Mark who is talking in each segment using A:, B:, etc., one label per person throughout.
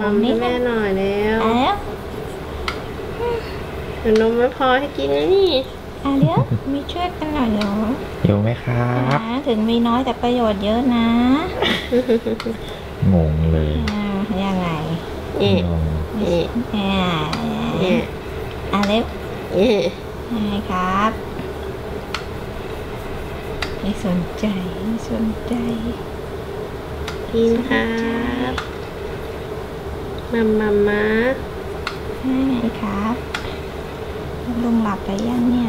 A: มัมให้แม่หน่อยแล้วเดี๋ยวนมไม่พอให้กินนะนี่
B: เดี๋ยวมีช่วยกันหน่อยเหรอ
C: อยู่ไหมครับ
B: ถึงมีน้อยแต่ประโยชน์เยอะนะ
C: งงเลย
B: ยังไง
C: งง
B: เล็บไงครับไม่สนใจ
A: กินครับมา
B: ไงครับลุงหลับไปยังเนี่ย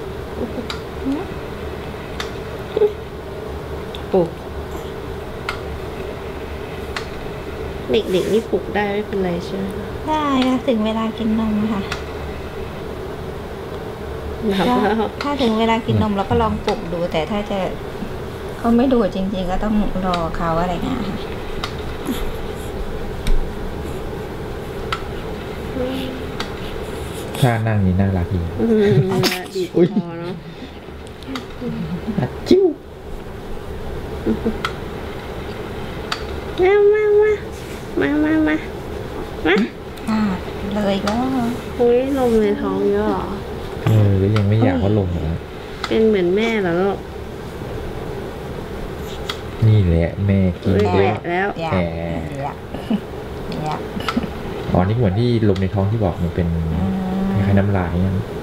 A: ปลุกเด็กๆนี่ปลุกได้ไม่เป็นไรใช่ไหม
B: ได้ค่ะถึงเวลากินนมค่ะถ้าถึงเวลากินนมเราก็ลองปลุกดูแต่ถ้าจะเขาไม่ดูจริงๆก็ต้องรอเขาอะไรเงี้ยค่ะ
C: ท่านั่งนี่น่ารักดี
A: ดีพอเนาะ
C: จิ้ว
A: มา
B: เลยก็
A: อุ้ยลมในท้องเยอะหรอ
C: แล้วยังไม่อยากว่าลมเหรอ
A: เป็นเหมือนแม่เหรอลูก
C: นี่แหละแม่กิน
A: แล้ว
C: อ๋อนี่เหมือนที่ลมในท้องที่บอกมันเป็นคล้ายน้ำลายนั่น